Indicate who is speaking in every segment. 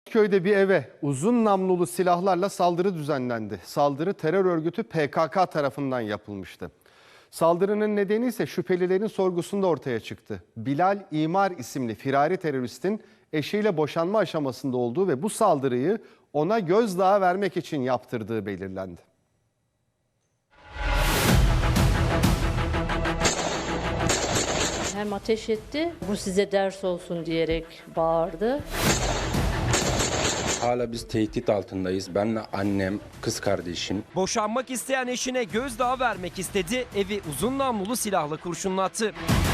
Speaker 1: Arnavutköy'de bir eve uzun namlulu silahlarla saldırı düzenlendi. Saldırı terör örgütü PKK tarafından yapılmıştı. Saldırının nedeni ise şüphelilerin sorgusunda ortaya çıktı. Bilal İmar isimli firari teröristin eşiyle boşanma aşamasında olduğu ve bu saldırıyı ona gözdağı vermek için yaptırdığı belirlendi.
Speaker 2: Hem ateş etti, bu size ders olsun diyerek bağırdı.
Speaker 3: Hala biz tehdit altındayız. Benle annem, kız kardeşim.
Speaker 4: Boşanmak isteyen eşine gözdağı vermek istedi. Evi uzun namlulu silahla kurşunlattı.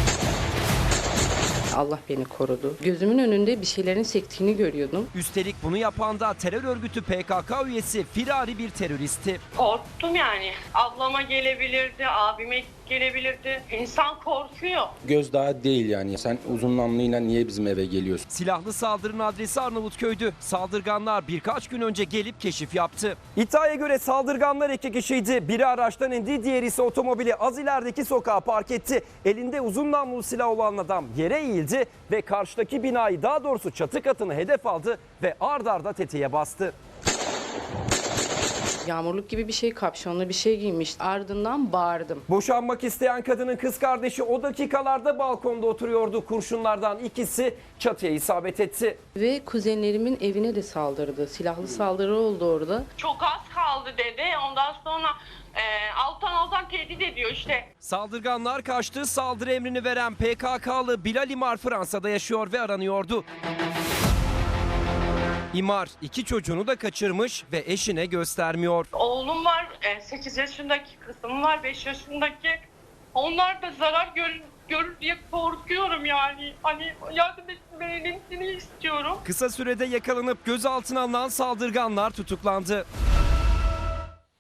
Speaker 5: Allah beni korudu. Gözümün önünde bir şeylerin sektiğini görüyordum.
Speaker 4: Üstelik bunu yapan da terör örgütü PKK üyesi firari bir teröristti.
Speaker 6: Korktum yani. Ablama gelebilirdi, abime gelebilirdi. İnsan korkuyor.
Speaker 3: Gözdağı değil yani. Sen uzun namluyla niye bizim eve geliyorsun?
Speaker 4: Silahlı saldırının adresi Arnavutköy'dü. Saldırganlar birkaç gün önce gelip keşif yaptı. İddiaya göre saldırganlar 2 kişiydi. Biri araçtan indi, diğeri ise otomobili az ilerideki sokağa park etti. Elinde uzun namlulu silah olan adam yere eğildi ve karşıdaki binayı, daha doğrusu çatı katını hedef aldı ve ard arda tetiğe bastı.
Speaker 5: Yağmurluk gibi bir şey, kapşonlu bir şey giymiş. Ardından bağırdım.
Speaker 4: Boşanmak isteyen kadının kız kardeşi o dakikalarda balkonda oturuyordu. Kurşunlardan ikisi çatıya isabet etti.
Speaker 5: Ve kuzenlerimin evine de saldırdı. Silahlı saldırı oldu orada.
Speaker 6: Çok az kaldı dedi. Ondan sonra alttan tehdit ediyor işte.
Speaker 4: Saldırganlar kaçtı. Saldırı emrini veren PKK'lı Bilal İmar Fransa'da yaşıyor ve aranıyordu. İmar 2 çocuğunu da kaçırmış ve eşine göstermiyor.
Speaker 6: Oğlum var, 8 yaşındaki kızım var, 5 yaşındaki. Onlar da zarar görür diye korkuyorum yani. Hani yardım etmelerini istiyorum.
Speaker 4: Kısa sürede yakalanıp gözaltına alınan saldırganlar tutuklandı.